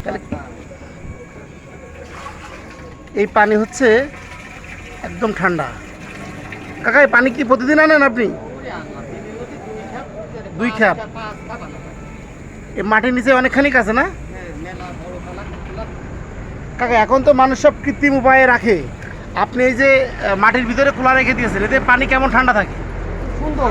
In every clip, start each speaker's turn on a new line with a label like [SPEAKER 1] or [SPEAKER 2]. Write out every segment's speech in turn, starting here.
[SPEAKER 1] এই পানি হচ্ছে একদম ঠান্ডা। কাকা এই পানি কি প্রতিদিন আনেন আপনি? 2 খ্যাপ। এই মাটির নিচে অনেকখানি আছে না কাকা? এখন তো মানুষ সব কৃত্রিম উপায়ে রাখে, আপনি এই যে মাটির ভিতরে খোলা রেখে দিয়েছেন, এতে পানি কেমন ঠান্ডা থাকে?
[SPEAKER 2] সুন্দর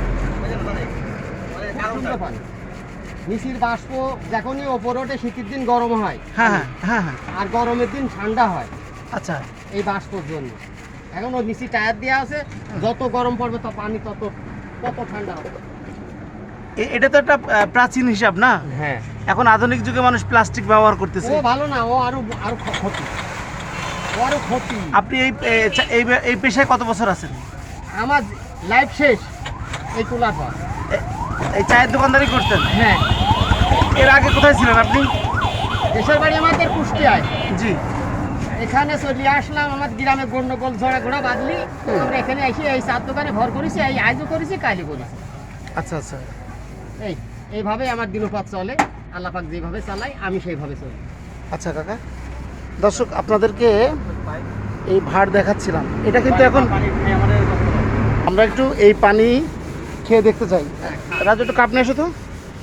[SPEAKER 2] পানি। নিচের বাষ্প যখনই ওপরে ওঠে শীতের দিন গরম হয়,
[SPEAKER 1] হ্যাঁ হ্যাঁ হ্যাঁ হ্যাঁ।
[SPEAKER 2] আর গরমের দিন ঠান্ডা হয়।
[SPEAKER 1] আচ্ছা,
[SPEAKER 2] এই বাষ্পর জন্য এখন ওই নিচে টায়ার দেওয়া আছে, যত গরম পড়বে তো পানি তত ঠান্ডা হবে।
[SPEAKER 1] এটা তো একটা প্রাচীন হিসাব না?
[SPEAKER 2] হ্যাঁ।
[SPEAKER 1] এখন আধুনিক যুগে মানুষ প্লাস্টিক ব্যবহার করতেছে।
[SPEAKER 2] ও ভালো না, ও আরো ক্ষতি, ক্ষতি।
[SPEAKER 1] আপনি এই পেশায় কত বছর আছেন?
[SPEAKER 2] আমার লাইফ শেষ এই তোলার পর।
[SPEAKER 1] এই চায়ের দোকানদারি করতেন?
[SPEAKER 2] হ্যাঁ।
[SPEAKER 1] এর আগে কোথায় ছিলেন আপনি?
[SPEAKER 2] দেশের বাড়ি আমাদের কুষ্টিয়ায়।
[SPEAKER 1] জি। এখানে
[SPEAKER 2] চলে আসলাম, আমার গ্রামে গন্ডগোল ঝড়া ঘোড়া বাঁধলি, আমরা এখানে এসে এই চার দোকানে ভর করেছি, এই আজও করেছি, কালই করেছি।
[SPEAKER 1] আচ্ছা আচ্ছা।
[SPEAKER 2] এইভাবে আমার দিনপাত চলে, আল্লাহ পাক যেভাবে চালাই আমি সেইভাবে চলি।
[SPEAKER 1] আচ্ছা কাকা, দর্শক আপনাদেরকে এই ভাড় দেখাচ্ছিলাম, এটা কিন্তু এখন আমরা একটু এই পানি খেয়ে দেখতে চাই। রাজু একটু কাপ নিয়ে এসো তো।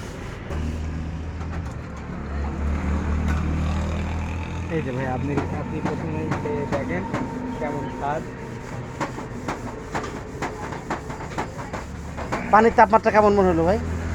[SPEAKER 2] এই যে ভাই আপনি প্রথমে দেখেন কেমন স্বাদ।
[SPEAKER 1] পানির তাপমাত্রা কেমন মনে হলো ভাই?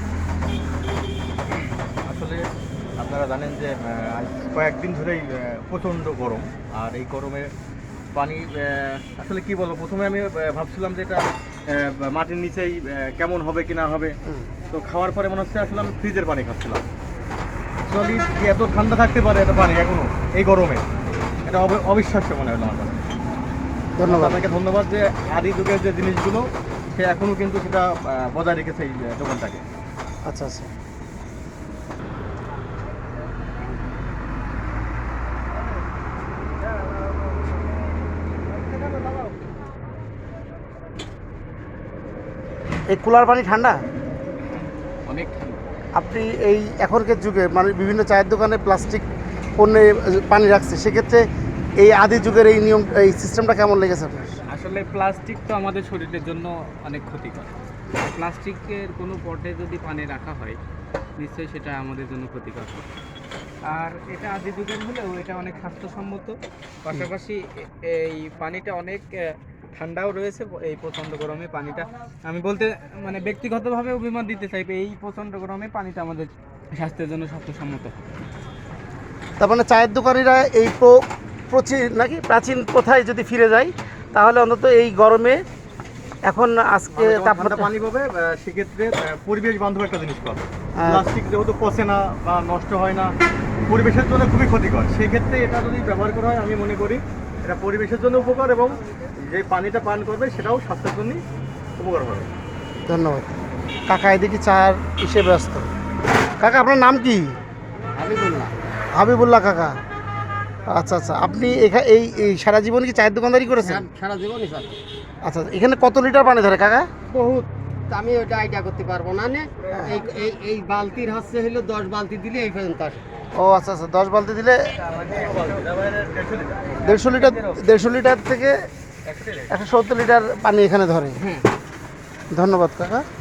[SPEAKER 3] আসলে আপনারা জানেন যে কয়েকদিন ধরেই প্রচণ্ড গরম, আর এই গরমে পানি আসলে কি বলবো, প্রথমে আমি ভাবছিলাম যে এটা মাটির নিচেই কেমন হবে কি না হবে, তো খাওয়ার পরে মনে হচ্ছে আসলে আমি ফ্রিজের পানি খাচ্ছিলাম। অ্যাকচুয়ালি এত ঠান্ডা থাকতে পারে এটা পানি এখনো এই গরমে, এটা অবিশ্বাস্য মনে হলো আমার কাছে।
[SPEAKER 1] ধন্যবাদ
[SPEAKER 3] আপনাকে ধন্যবাদ যে আদি যুগের যে জিনিসগুলো সে এখনো কিন্তু সেটা বজায় রেখেছে এই দোকানটাকে।
[SPEAKER 1] আচ্ছা আচ্ছা। এই কুলার পানি ঠান্ডা?
[SPEAKER 3] অনেক ঠান্ডা।
[SPEAKER 1] আপনি এই এখনকার যুগে মানে বিভিন্ন চায়ের দোকানে প্লাস্টিক পণ্যে পানি রাখছে, সেক্ষেত্রে এই আদি যুগের এই নিয়ম, এই সিস্টেমটা কেমন লেগেছে আপনার?
[SPEAKER 4] আসলে প্লাস্টিক তো আমাদের শরীরের জন্য অনেক ক্ষতিকর। প্লাস্টিকের কোনো পটে যদি পানি রাখা হয় নিশ্চয়ই সেটা আমাদের জন্য ক্ষতিকর। আর এটা আদি যুগের হলেও এটা অনেক স্বাস্থ্যসম্মত, পাশাপাশি এই পানিটা অনেক ঠান্ডাও রয়েছে। এই প্রচণ্ড গরমে পানিটা আমি বলতে মানে ব্যক্তিগতভাবে অভিমত দিতে চাই, এই প্রচণ্ড গরমে পানিটা আমাদের স্বাস্থ্যের জন্য স্বাস্থ্যসম্মত।
[SPEAKER 1] তার মানে চায়ের দোকানিরা এই প্রাচীন প্রথায় যদি ফিরে যায় তাহলে অন্তত এই গরমে এখন আজকে তাপমাত্রা
[SPEAKER 3] পানি পাবে, সেক্ষেত্রে পরিবেশ বান্ধব একটা জিনিস পাবে। প্লাস্টিক যেহেতু পচে না বা নষ্ট হয় না, পরিবেশের জন্য খুবই ক্ষতিকর, সেক্ষেত্রে এটা যদি ব্যবহার করা হয় আমি মনে করি এটা পরিবেশের জন্য উপকার এবং যে পানিটা পান করবে সেটাও স্বাস্থ্যের জন্যই উপকার হবে।
[SPEAKER 1] ধন্যবাদ কাকা। এদিকে চার হিসেবে ব্যস্ত। কাকা আপনার নাম কি?
[SPEAKER 2] হাবিবুল্লাহ।
[SPEAKER 1] হাবিবুল্লাহ কাকা। আচ্ছা আচ্ছা, আপনি এই সারা জীবন কি চায়ের দোকানদারি করেছেন?
[SPEAKER 2] সারা জীবনই চলে।
[SPEAKER 1] আচ্ছা, এখানে কত লিটার পানি ধরে কাকা?
[SPEAKER 2] বহুত, আমি ওটা আইডিয়া করতে পারবো না। এই বালতির হচ্ছে হলো 10 বালতি দিলে এই পর্যন্ত আসে।
[SPEAKER 1] ও আচ্ছা আচ্ছা, 10 বালতি দিলে 150 লিটার থেকে 170 লিটার পানি এখানে ধরে। ধন্যবাদ কাকা।